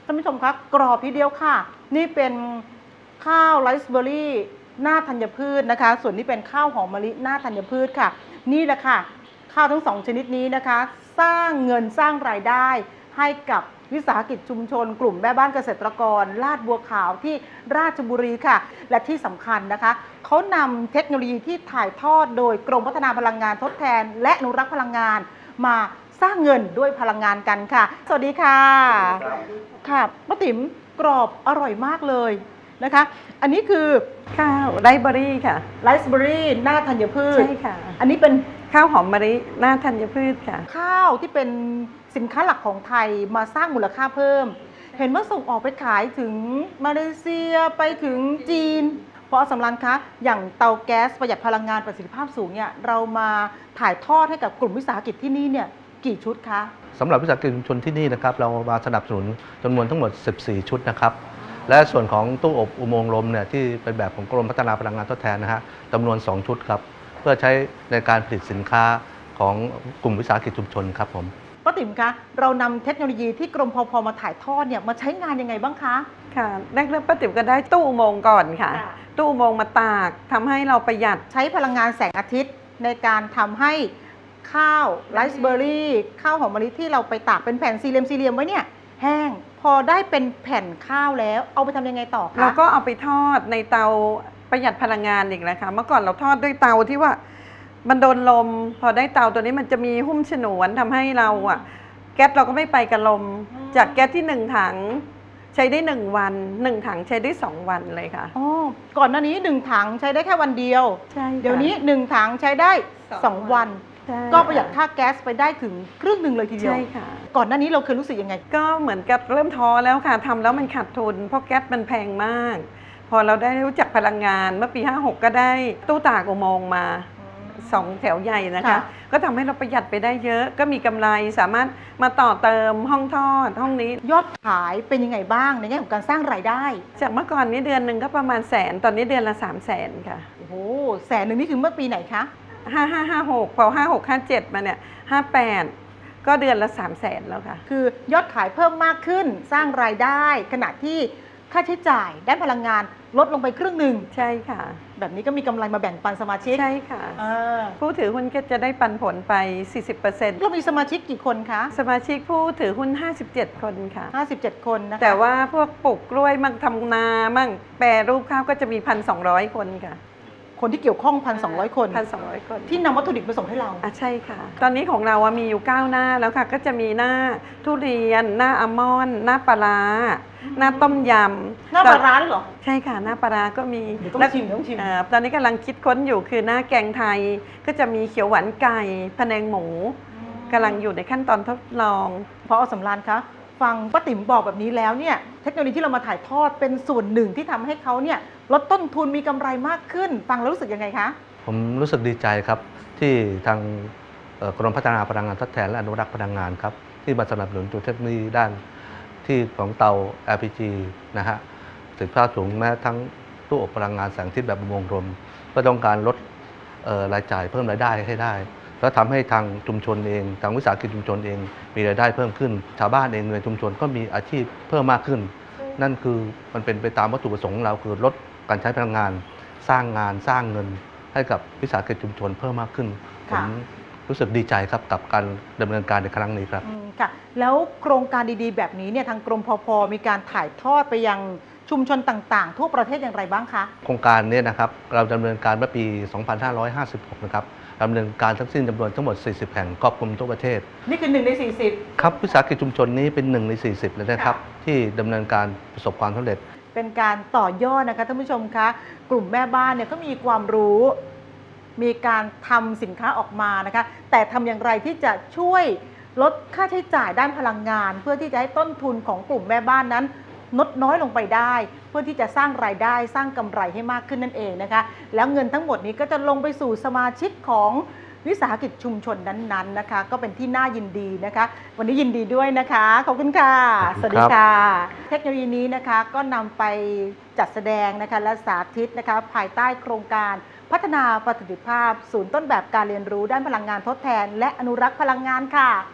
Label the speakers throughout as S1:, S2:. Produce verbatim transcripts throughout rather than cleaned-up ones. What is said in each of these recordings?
S1: ท่านผู้ชมคะกรอบทีเดียวค่ะนี่เป็นข้าวไรซ์เบอร์รี่หน้าธัญพืชนะคะส่วนนี้เป็นข้าวหอมมะลิหน้าธัญพืชค่ะนี่แหละค่ะข้าวทั้งสองชนิดนี้นะคะสร้างเงินสร้างรายได้ให้กับวิสาหกิจชุมชนกลุ่มแม่บ้านเกษตรกรลาดบัวขาวที่ราชบุรีค่ะและที่สำคัญนะคะเขานำเทคโนโลยีที่ถ่ายทอดโดยกรมพัฒนาพลังงานทดแทนและอนุรักษ์พลังงานมาสร้างเงินด้วยพลังงานกันค่ะสวัสดีค่ะค่ะป้าติ๋มกรอบอร่อยมากเลยนะคะอันนี้คือ
S2: ข้าวไรซ์เบอรี่ค่ะ
S1: ไรซ์เบอรี่หน้าธัญพืช
S2: ใช่ค่ะ
S1: อันนี้เป็น
S2: ข้าวหอมมะลิหน้าธัญพืชค่ะ
S1: ข้าวที่เป็นสินค้าหลักของไทยมาสร้างมูลค่าเพิ่มเห็นว่าส่งออกไปขายถึงมาเลเซียไปถึงจีนเพราะสำรันคะอย่างเตาแก๊สประหยัดพลังงานประสิทธิภาพสูงเนี่ยเรามาถ่ายทอดให้กับกลุ่มวิสาหกิจที่นี่เนี่ยกี่ชุดคะ
S3: สำหรับวิสาหกิจชุมชนที่นี่นะครับเรามาสนับสนุนจำนวนทั้งหมดสิบสี่ชุดนะครับและส่วนของตู้อบอุโมงค์ลมเนี่ยที่เป็นแบบของกรมพัฒนาพลังงานทดแทนนะฮะจำนวนสองชุดครับเพื่อใช้ในการผลิตสินค้าของกลุ่มวิสาหกิจชุมชนครับผม
S1: ป้าติ๋มคะเรานำเทคโนโลยีที่กรมพพมาถ่ายทอดเนี่ยมาใช้งานยังไงบ้างคะ
S2: ค่ะแรกเริ่มป้าติ๋มก็ได้ตู้อุโมงค์ก่อนค่ะตู้อุโมงค์มาตากทำให้เราประหยัด
S1: ใช้พลังงานแสงอาทิตย์ในการทำให้ข้าวไรซ์เบอร์รี่ข้าวหอมมะลิที่เราไปตากเป็นแผ่นสี่เหลี่ยมสี่เหลี่ยมไว้เนี่ยแห้งพอได้เป็นแผ่นข้าวแล้วเอาไปทำยังไงต่อคะ
S2: เราก็เอาไปทอดในเตาประหยัดพลังงานอีกนะคะเมื่อก่อนเราทอดด้วยเตาที่ว่ามันโดนลมพอได้เตาตัวนี้มันจะมีหุ้มฉนวนทำให้เราอะแก๊สเราก็ไม่ไปกับลมจากแก๊สที่หนึ่งถังใช้ได้หนึ่งวันหนึ่งถังใช้ได้สองวันเลยค่ะ
S1: อ๋อก่อนหน้านี้หนึ่งถังใช้ได้แค่วันเดียว
S2: ใช่
S1: เดี๋ยวนี้หนึ่งถังใช้ได้สองวันก็ประหยัดค่าแก๊สไปได้ถึงครึ่งหนึ่งเลยทีเดียว
S2: ใช่ค่ะ
S1: ก่อนหน้านี้เราเคยรู้สึกยังไง
S2: ก็เหมือนกับเริ่มท้อแล้วค่ะทำแล้วมันขาดทุนเพราะแก๊สมันแพงมากพอเราได้รู้จักพลังงานเมื่อปีห้าหกก็ได้ตู้ตากอุโมงค์มาสองแถวใหญ่นะคะก็ทำให้เราประหยัดไปได้เยอะก็มีกำไรสามารถมาต่อเติมห้องทอดห้องนี้
S1: ยอดขายเป็นยังไงบ้างในแง่ของการสร้างรายได้
S2: จากเมื่อก่อนนี้เดือนหนึ่งก็ประมาณแสนตอนนี้เดือนละสามแสนค่ะ
S1: โอ้โหแสนหนึ่งนี่คือเมื่อปีไหนคะ
S2: ห้าห้าห้าหกพอห้าหกห้าเจ็ดมาเนี่ยห้าแปดก็เดือนละสามแสนแล้วค่ะ
S1: คือยอดขายเพิ่มมากขึ้นสร้างรายได้ขณะที่ค่าใช้จ่ายด้านพลังงานลดลงไปครึ่งหนึ่ง
S2: ใช่ค่ะ
S1: แบบนี้ก็มีกำไรมาแบ่งปันสมาชิก
S2: ใช่ค่ะผู้ถือหุ้นก็จะได้ปันผลไป สี่สิบเปอร์เซ็นต์
S1: เรามีสมาชิกกี่คนคะ
S2: สมาชิกผู้ถือหุ้นห้าสิบเจ็ดคนค่ะ
S1: ห้าสิบเจ็ดคนนะคะ
S2: แต่ว่าพวกปลูกกล้วยมั่งทำนามั่งแปรรูปข้าวก็จะมี หนึ่งพันสองร้อย คนค่ะ
S1: คนที่เกี่ยวข้อง หนึ่งพันสองร้อย คน
S2: หนึ่งพันสองร้อย คน
S1: ที่นำวัตถุดิบมาส่งให้เรา
S2: อ่ะใช่ค่ะตอนนี้ของเรามีอยู่เก้าหน้าแล้วค่ะก็จะมีหน้าทุเรียนหน้าอัลมอนด์หน้าปลาหน้าต้มย
S1: ำหน้าปลาเหรอ
S2: ใช่ค่ะหน้าปลาก็มี
S1: ต้องชิมต้องชิม
S2: ตอนนี้กำลังคิดค้นอยู่คือหน้าแกงไทยก็จะมีเขียวหวานไก่พะแนงหมูกำลังอยู่ในขั้นตอนทดลอง
S1: พอสำราญคะฟังป้าติ๋มบอกแบบนี้แล้วเนี่ยเทคโนโลยีที่เรามาถ่ายทอดเป็นส่วนหนึ่งที่ทำให้เขาเนี่ยลดต้นทุนมีกำไรมากขึ้นฟังแล้วรู้สึกยังไงคะ
S3: ผมรู้สึกดีใจครับที่ทางกรมพัฒนาพลังงานทดแทนและอนุรักษ์พลังงานครับที่มาสนับสนุนตัวเทคโนโลยีด้านที่ของเตา แอล พี จี นะฮะประสิทธิภาพสูงแม้ทั้งตู้อบพลังงานแสงอาทิตย์แบบอุโมงค์ลมเพื่อต้องการลดรายจ่ายเพิ่มรายได้ให้ได้แล้วทำให้ทางชุมชนเองทางวิสาหกิจชุมชนเองมีรายได้เพิ่มขึ้นชาวบ้านเองในชุมชนก็มีอาชีพเพิ่มมากขึ้นนั่นคือมันเป็นไปตามวัตถุประสงค์ของเราคือลดการใช้พลังงานสร้างงานสร้างเงินให้กับวิสาหกิจชุมชนเพิ่มมากขึ้นผมรู้สึกดีใจครับกับการดำเนินการในครั้งนี้ครับ
S1: ค่ะแล้วโครงการดีๆแบบนี้เนี่ยทางกรมพพมีการถ่ายทอดไปยังชุมชนต่างๆทั่วประเทศอย่างไรบ้างคะ
S3: โครงการนี้นะครับเราดำเนินการเมื่อปี สองพันห้าร้อยห้าสิบหก นะครับดำเนินการทั้งสิ้นจำนวนทั้งหมดสี่สิบแห่งครอบคลุมทั่วประเทศ
S1: นี่คือหนึ่งในสี่สิบ
S3: ครับวิสาหกิจชุมชนนี้เป็นหนึ่งในสี่สิบเลยนะครับที่ดำเนินการประสบความสำเร็จ
S1: เป็นการต่อยอดนะคะท่านผู้ชมคะกลุ่มแม่บ้านเนี่ยก็มีความรู้มีการทำสินค้าออกมานะคะแต่ทำอย่างไรที่จะช่วยลดค่าใช้จ่ายด้านพลังงานเพื่อที่จะให้ต้นทุนของกลุ่มแม่บ้านนั้นลดน้อยลงไปได้เพื่อที่จะสร้างรายได้สร้างกำไรให้มากขึ้นนั่นเองนะคะแล้วเงินทั้งหมดนี้ก็จะลงไปสู่สมาชิกของวิสาหกิจชุมชนนั้นๆนะคะก็เป็นที่น่ายินดีนะคะวันนี้ยินดีด้วยนะคะขอบคุณค่ะสวัสดีค่ะเทคโนโลยีนี้นะคะก็นำไปจัดแสดงนะคะและสาธิตนะคะภายใต้โครงการพัฒนาประสิทธิภาพศูนย์ต้นแบบการเรียนรู้ด้านพลังงานทดแทนและอนุรักษ์พลังงานค่ะ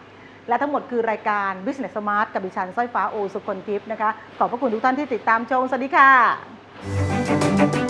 S1: และทั้งหมดคือรายการ Business Smart กับดิฉันสร้อยฟ้าโอสุคนทิพย์นะคะขอบพระคุณทุกท่านที่ติดตามชมสวัสดีค่ะ